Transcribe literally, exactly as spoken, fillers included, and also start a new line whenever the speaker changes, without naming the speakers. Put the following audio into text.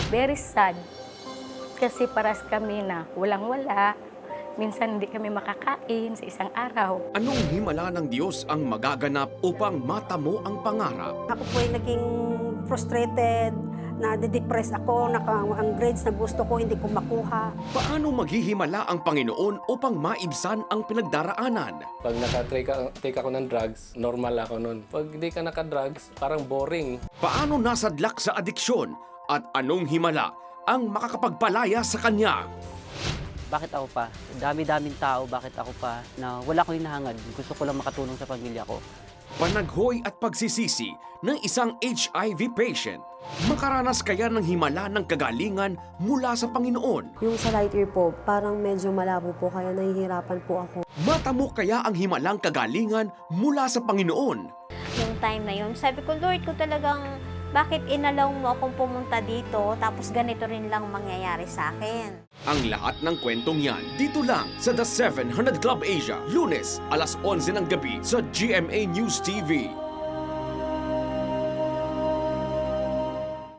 Very sad. Kasi paras kami na walang-wala. Minsan hindi kami makakain sa isang araw.
Anong himala ng Diyos ang magaganap upang matamo ang pangarap?
Ako po ay naging frustrated, na-depress ako, naka, ang grades na gusto ko hindi ko makuha.
Paano maghihimala ang Panginoon upang maibsan ang pinagdaraanan?
Pag naka-take ka- take ako ng drugs, normal ako nun. Pag di ka naka-drugs, parang boring.
Paano nasadlak sa adiksyon? At anong himala ang makakapagpalaya sa kanya?
Bakit ako pa? Dami-daming tao, bakit ako pa? Na wala ko hinahangad. Gusto ko lang makatulong sa pamilya ko.
Panaghoy at pagsisisi ng isang H I V patient. Makaranas kaya ng himala ng kagalingan mula sa Panginoon?
Yung sa right ear po, parang medyo malabo po, kaya nahihirapan po ako.
Matamo kaya ang himalang kagalingan mula sa Panginoon?
Yung time na yun, sabi ko, Lord, ko talagang bakit inalaw mo akong pumunta dito tapos ganito rin lang mangyayari sa akin.
Ang lahat ng kwentong yan dito lang sa The seven hundred Club Asia, Lunes, alas onse ng gabi sa G M A News T V.